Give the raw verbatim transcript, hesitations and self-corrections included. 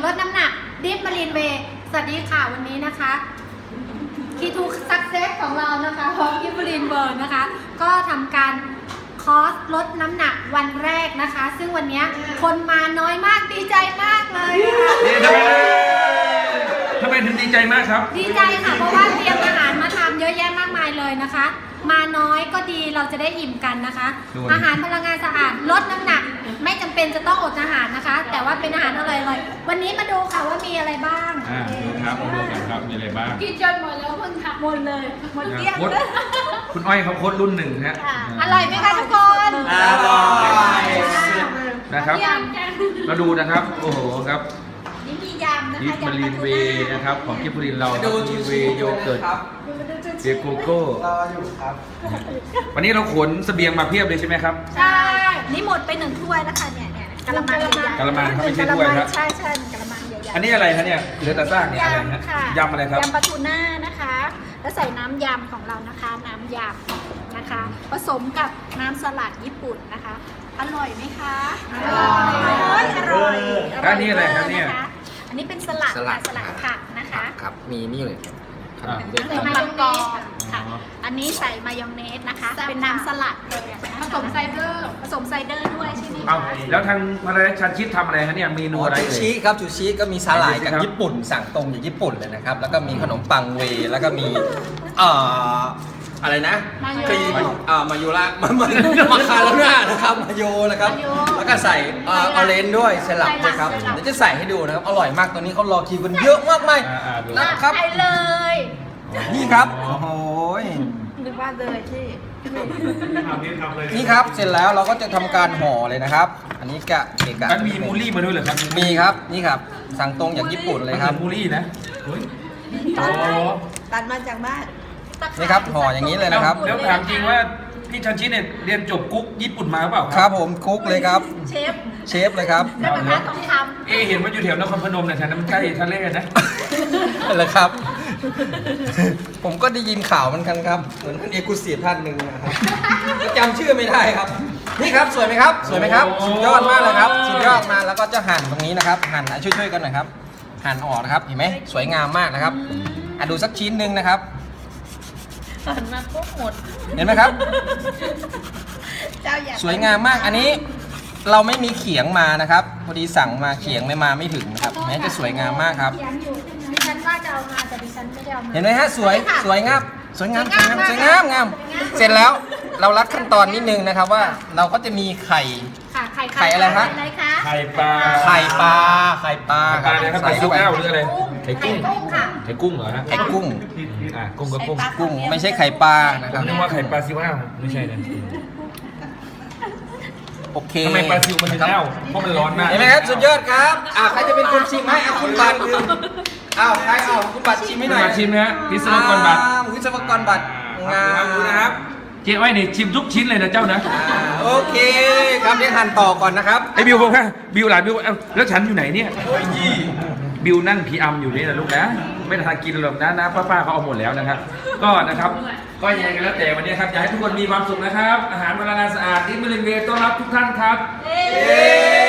ลดน้ำหนักดิฟมารีนเวย์สวัสดีค่ะวันนี้นะคะคีทูซักเซสของเรานะคะพร้อมกิฟมารีนเวิร์นะคะก็ทำการคอร์สลดน้ำหนักวันแรกนะคะซึ่งวันนี้คนมาน้อยมากดีใจมากเลยค่ะทำไมถึงดีใจมากครับดีใจค่ะเพราะว่าเตรียมอาหารมาทำเยอะแยะมากมายเลยนะคะมาน้อยก็ดีเราจะได้อิ่มกันนะคะอาหารพลังงานสะอาดลดน้ำหนักไม่จำเป็นจะต้องอดอาหารนะคะแต่ว่าเป็นอาหารอร่อยๆวันนี้มาดูค่ะว่ามีอะไรบ้างอ่าดูครับดูกันครับมีอะไรบ้างกินจนหมดแล้วเพิ่งทำหมดเลยหมดเกลี้ยงคุณอ้อยเขาโค้ดรุ่นหนึ่งฮะอร่อยไหมคะทุกคนอร่อยนะครับมาดูนะครับโอ้โหครับนี่มียำนะดิฟคะมารีนเวย์นะครับของกิฟต์มารีนเรามีเวย์โยเกิร์ตเบียร์โกโก้รออยู่ครับวันนี้เราขนเสบียงมาเพียบเลยใช่ไหมครับใช่นี่หมดไปหนึ่งถ้วยแล้วค่ะเนี่ยเนี่ยกะละมังใหญ่กะละมังไม่ใช่ถ้วยครับใช่ใช่กะละมังใหญ่ๆอันนี้อะไรคะเนี่ยเหลือแต่ซากเนี่ยอะไรนะยำอะไรครับยำปลาทูน่านะคะแล้วใส่น้ำยำของเรานะคะน้ำยำนะคะผสมกับน้ำสลัดญี่ปุ่นนะคะอร่อยไหมคะอร่อยอร่อยอันนี้อะไรครับเนี่ยอันนี้เป็นสลัดสลัดผักนะคะครับมีนี่เลยใส่มายองเนสค่ะอันนี้ใส่มายองเนสนะคะเป็นน้ำสลัดเลยผสมไซเดอร์ผสมไซเดอร์ด้วยใช่ไหมเอาแล้วทางมาเลชันชิดทำอะไรคะเนี่ยเมนูอะไรจูชิครับจูชิก็มีสาหร่ายจากญี่ปุ่นสั่งตรงจากญี่ปุ่นเลยนะครับแล้วก็มีขนมปังเวแล้วก็มีเอ่ออะไรนะครีมอ่ามาโยระมามาคาโรน่านะครับมาโยนะครับแล้วก็ใส่ออเรนจ์ด้วยสลับด้วยครับเดี๋ยวจะใส่ให้ดูนะครับอร่อยมากตัวนี้เขารอคิวกันเยอะมากมายนะครับใช่เลยนี่ครับโอ้โหนึกว่าเลยที่นี่ครับเสร็จแล้วเราก็จะทำการห่อเลยนะครับอันนี้กะเอกะมันมีมูลี่มาด้วยเหรอครับมีครับนี่ครับสั่งตรงจากญี่ปุ่นเลยครับมูลี่นะตัดมาจากบ้านนี่ครับห่ออย่างนี้เลยนะครับแล้วถามจริงว่าพี่ชันชิดเนี่ยเรียนจบกุ๊กญี่ปุ่นมาเปล่าครับผมกุ๊กเลยครับเชฟเชฟเลยครับแล้วกระทะต้องทำเอเห็นว่าอยู่แถวนครพนมเนี่ยแถวนั้นมันใกล้ทะเลนะนั่นแหละครับผมก็ได้ยินข่าวมันกันครับเหมือนท่านเอกกุศิท่านหนึ่งนะครับจำชื่อไม่ได้ครับนี่ครับสวยไหมครับสวยไหมครับสุดยอดมากเลยครับสุดยอดมาแล้วก็จะหั่นตรงนี้นะครับหั่นช่วยๆกันหน่อยครับหั่นออกนะครับเห็นไหมสวยงามมากนะครับอ่ะดูสักชิ้นหนึ่งนะครับหั่นมาปุ๊บหมดเห็นไหมครับสวยงามมากอันนี้เราไม่มีเขียงมานะครับพอดีสั่งมาเขียงไม่มาไม่ถึงนะครับแม้จะสวยงามมากครับดิฉันว่าจะเอามาแต่ดิฉันไม่ได้เอามาเห็นไหมฮะสวยสวยงามสวยงามสวยงามสวยงามงามเสร็จแล้วเรารัดขั้นตอนนิดนึงนะครับว่าเราก็จะมีไข่ไข่อะไรครับไข่ปลาไข่ปลาไข่ปลาไข่อะไรครับไข่ซุปแก้วหรืออะไรไข่กุ้งค่ะไข่กุ้งเหรอฮะไข่กุ้งอ่ากุ้งก็กุ้งกุ้งไม่ใช่ไข่ปลานะครับนึกว่าไข่ปลาซิวอ้าวไม่ใช่นะโอเคทำไมปลาซิวมันถึงอ้าวเพราะมันร้อนมากเห็นไหมครับสุดยอดครับอ่าใครจะเป็นคนชิมให้เอาคุณบัตรอ้าวใครเอาคุณบัตรชิมให้หน่อยชิมนะวิศวกรบัตรวิศวกรบัตรงามนะครับเจ๊อ้อยนี่ชิมทุกชิ้นเลยนะเจ้านะโอเคครับเดี๋ยวหั่นต่อก่อนนะครับไอ้บิวบอกว่าบิวหลานบิวแล้วฉันอยู่ไหนเนี่ยบิวนั่งพีอัมอยู่นี่นะลูกนะไม่ทานกินหรอกนะนะป้าๆเขาเอาหมดแล้วนะครับก็นะครับก็ยังไงกันแล้วแต่วันนี้ครับอยากให้ทุกคนมีความสุขนะครับอาหารพลังงานสะอาดที่บริเวณต้อนรับทุกท่านครับ